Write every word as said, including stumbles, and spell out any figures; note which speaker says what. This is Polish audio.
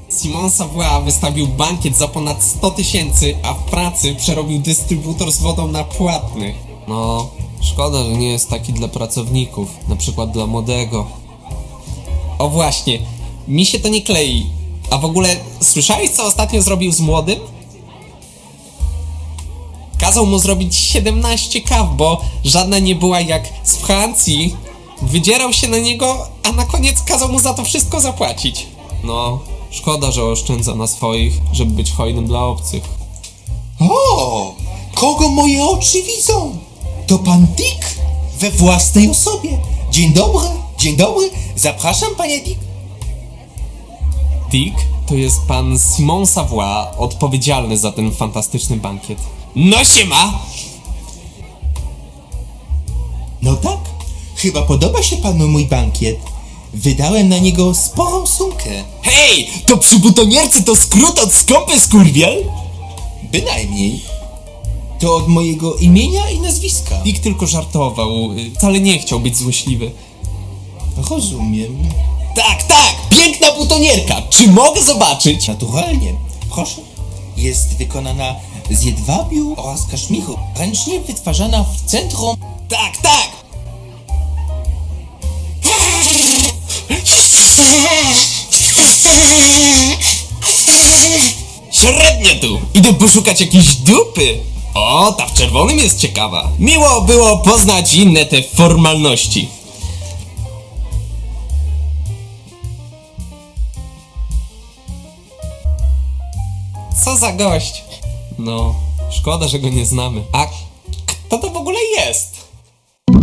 Speaker 1: Simon Savoie wystawił bankiet za ponad sto tysięcy, a w pracy przerobił dystrybutor z wodą na płatny. No, szkoda, że nie jest taki dla pracowników, na przykład dla młodego. O właśnie, mi się to nie klei. A w ogóle, słyszałeś, co ostatnio zrobił z młodym? Kazał mu zrobić siedemnaście kaw, bo żadna nie była jak z Francji. Wydzierał się na niego, a na koniec kazał mu za to wszystko zapłacić. No, szkoda, że oszczędza na swoich, żeby być hojnym dla obcych.
Speaker 2: O, kogo moje oczy widzą? To pan Dick we własnej osobie. Dzień dobry, dzień dobry. Zapraszam, panie Dick.
Speaker 1: Dick to jest pan Simon Savoie, odpowiedzialny za ten fantastyczny bankiet. No siema!
Speaker 2: No tak, chyba podoba się panu mój bankiet. Wydałem na niego sporą sumkę.
Speaker 3: Hej, to przy butonierce to skrót od skąpy skurwiel?
Speaker 2: Bynajmniej. To od mojego imienia i nazwiska.
Speaker 1: Dick tylko żartował, y, wcale nie chciał być złośliwy.
Speaker 2: Rozumiem.
Speaker 3: Tak, tak, piękna butonierka. Czy mogę zobaczyć?
Speaker 2: Naturalnie. Proszę. Jest wykonana z jedwabiu oraz kaszmiru. Ręcznie wytwarzana w centrum.
Speaker 3: Tak, tak. Średnio tu. Idę poszukać jakiejś dupy. O, ta w czerwonym jest ciekawa. Miło było poznać inne te formalności.
Speaker 1: Co za gość? No, szkoda, że go nie znamy. A kto to w ogóle jest?